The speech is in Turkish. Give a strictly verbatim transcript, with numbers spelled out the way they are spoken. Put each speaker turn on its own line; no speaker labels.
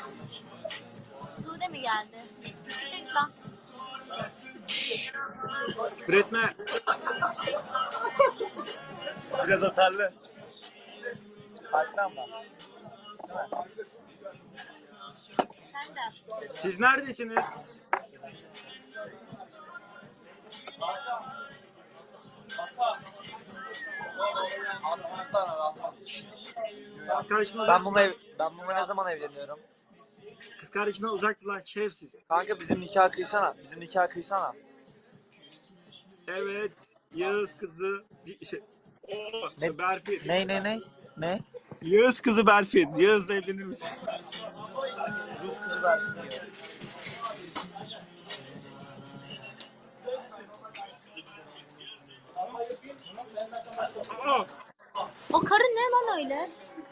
Sude mi geldi? Siktir git lan.
Üretme.
Biraz atarlı.
Farklı ama.
Sen de.
Siz neredesiniz? Kız kardeşime
Ben
uzak,
bununla ev, ben bununla ne zaman evleniyorum?
kız kardeşime uzak dur lan şerefsiz.
Kanka bizim nikah kıysana. Bizim nikah kıysana.
Evet. Yağız kızı. Şey, Oo,
Ne?
Berfin.
Ne ne ne? Ne?
Yağız kızı Berfin. Yağız'la evlenir misin?
Rus kızı versin diyor.
Aa,
O karı ne lan öyle?